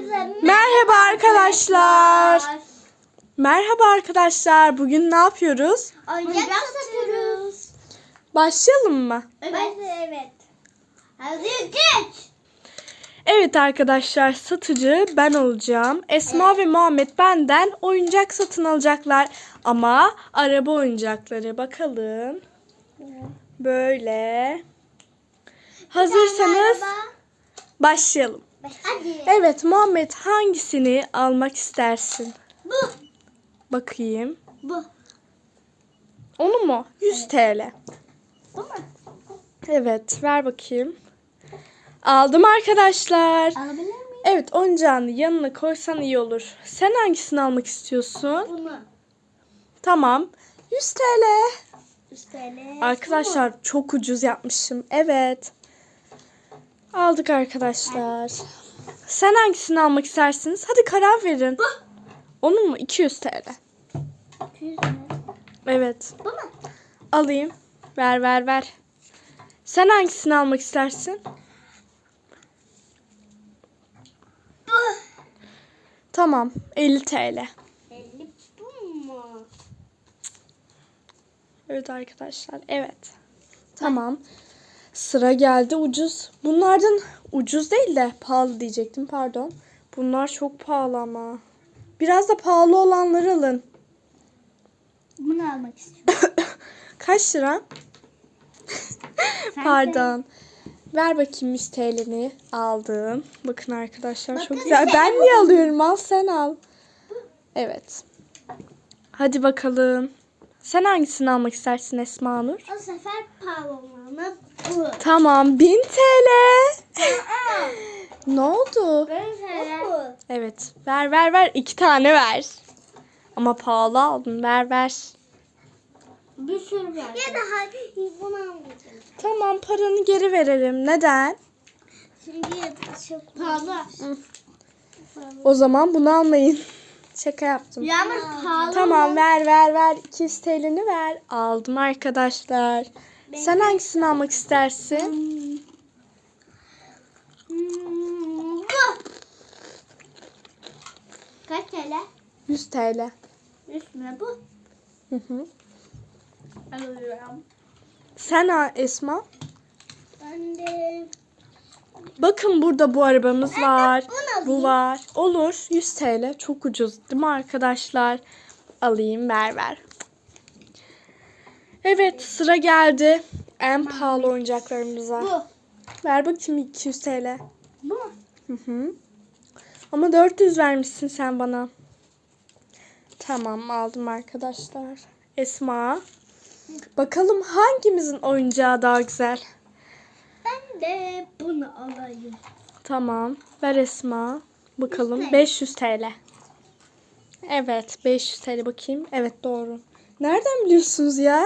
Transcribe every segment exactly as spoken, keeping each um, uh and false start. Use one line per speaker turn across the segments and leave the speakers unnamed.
Merhaba arkadaşlar. Merhaba arkadaşlar. Bugün ne yapıyoruz?
Oyuncak satıyoruz.
Başlayalım mı?
Evet. Evet. Hadi geç.
Evet arkadaşlar, satıcı ben olacağım. Esma ve Muhammed benden oyuncak satın alacaklar. Ama araba oyuncakları. Bakalım. Böyle. Hazırsanız başlayalım.
Hadi.
Evet Muhammed, hangisini almak istersin?
Bu.
Bakayım.
Bu.
Onu mu? yüz T L.
Bu mu?
Evet, ver bakayım. Aldım arkadaşlar.
Alabilir miyim?
Evet, oyuncağını yanına koysan iyi olur. Sen hangisini almak istiyorsun?
Bunu.
Tamam. yüz T L.
yüz T L.
Arkadaşlar çok ucuz yapmışım. Evet. Aldık arkadaşlar. Sen hangisini almak istersiniz? Hadi karar verin.
Bu.
Onun mu? iki yüz T L.
iki yüz mü?
Evet.
Bu mu?
Alayım. Ver ver ver. Sen hangisini almak istersin?
Bu.
Tamam. elli T L.
elli bu mu?
Evet arkadaşlar. Evet. Tamam. Sıra geldi ucuz. Bunlardan ucuz değil de pahalı diyecektim. Pardon. Bunlar çok pahalı ama. Biraz da pahalı olanları alın.
Bunu almak istiyorum.
Kaç lira?
Sen
Pardon. Ver bakayım yüz T L'ni. Aldım. Bakın arkadaşlar
Bakın
çok güzel.
işte
Ben
bu.
niye alıyorum? Al sen al. Evet. Hadi bakalım. Sen hangisini almak istersin Esma Nur?
O sefer pahalı olanı bu.
Tamam. bin T L.
Aa.
Ne oldu?
Ben sana.
Evet. Ver ver ver. İki tane ver. Ama pahalı aldın. Ver ver.
Bir sürü var. Ya da hadi bunu almayacağım.
Tamam, paranı geri verelim. Neden?
Çünkü çok pahalı.
O zaman bunu almayın. Şaka yaptım.
Ya ama pahalı.
Tamam, ver ver ver. iki yüz T L'ni ver. Aldım arkadaşlar. Sen hangisini almak istersin?
Hmm, bu. Kaç T L?
yüz T L.
Üstüne bu.
Hı hı.
Alıyorum.
Sen ha Esma.
Ben de
Bakın burada bu arabamız var.
bunu alayım.
Bu var. Olur. yüz T L. Çok ucuz değil mi arkadaşlar? Alayım, ver ver. Evet, sıra geldi. En pahalı oyuncaklarımıza.
bu.
Ver bakayım iki yüz T L.
Bu.
Hı hı. Ama dört yüz vermişsin sen bana. Tamam, aldım arkadaşlar. Esma. Bakalım hangimizin oyuncağı daha güzel?
Ben de bunu alayım.
Tamam. Ver Esma. Bakalım.
Yüz T L.
beş yüz T L. Evet. beş yüz T L bakayım. Evet, doğru. Nereden biliyorsunuz ya?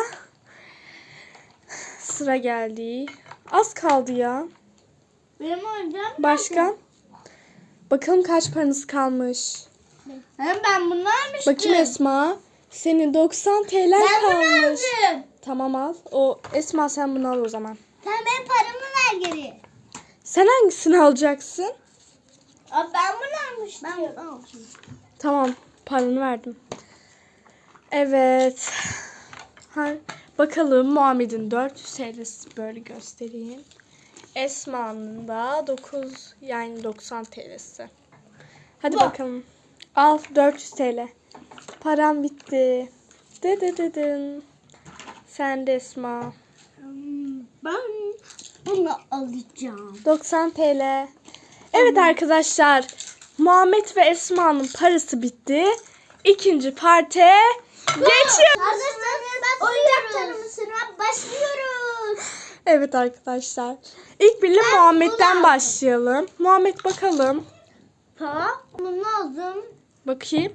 Sıra geldi. Az kaldı ya.
Benim oyuncağım
Başka? Bakalım kaç paranız kalmış.
Hem ben bunu almıştım.
Bakayım Esma. Senin doksan T L
Ben bunu
kalmış.
aldım.
Tamam, al. O Esma, sen bunu al o zaman.
Sen benim paramı ver geri.
Sen hangisini alacaksın?
Aa, ben bunu almıştım. Ben bunu almıştım.
Tamam, paranı verdim. Evet. Ha, bakalım Muhammed'in dört yüz T L'si, böyle göstereyim. Esma'nın da dokuz, yani doksan T L'si. Hadi
Bu.
bakalım. Al dört yüz T L. Param bitti. Dı dı dı dın. Sen de Esma.
Hmm, Ben bunu alacağım.
doksan T L. Evet arkadaşlar. Muhammed ve Esma'nın parası bitti. İkinci parte geçiyor.
Hazırsanız oyuncak tanımısına başlıyoruz.
Evet arkadaşlar. İlk birle Muhammed'den başlayalım. Muhammed, bakalım.
Tamam. Bunu aldım.
Bakayım.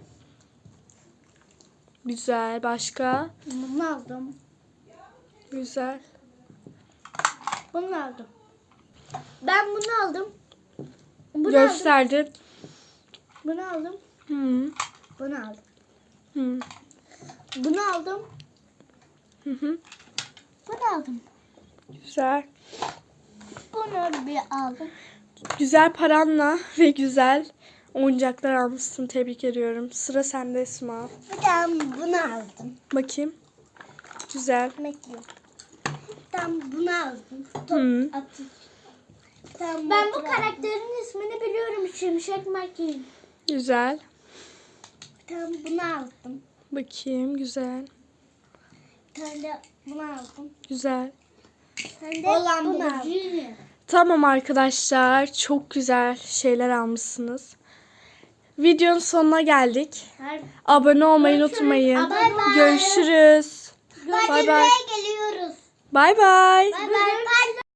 Güzel. Başka?
Bunu aldım.
Güzel.
Bunu aldım. Ben bunu aldım. Bunu aldım.
Gösterdi.
Bunu aldım.
Hı.
Bunu aldım.
Hı.
Bunu aldım.
Hı hı.
Bunu aldım.
Güzel.
Bunu bir aldım.
Güzel paranla ve güzel Oyuncaklar almışsın. Tebrik ediyorum. Sıra sende Esma.
Ben bunu aldım.
Bakayım. Güzel.
Bekle. Ben bunu aldım. Top
Hı.
atış. Ben bu karakterin ismini biliyorum. Şimşek McQueen.
Güzel.
Ben bunu aldım.
Bakayım. Güzel.
Bir tane de bunu aldım.
Güzel.
Ben de bunu aldım.
Tamam arkadaşlar. Çok güzel şeyler almışsınız. Videonun sonuna geldik. Abone olmayı unutmayın.
Bay bay.
Görüşürüz. Bay bay.
Geliyoruz.
Bay bay.
Bay bay.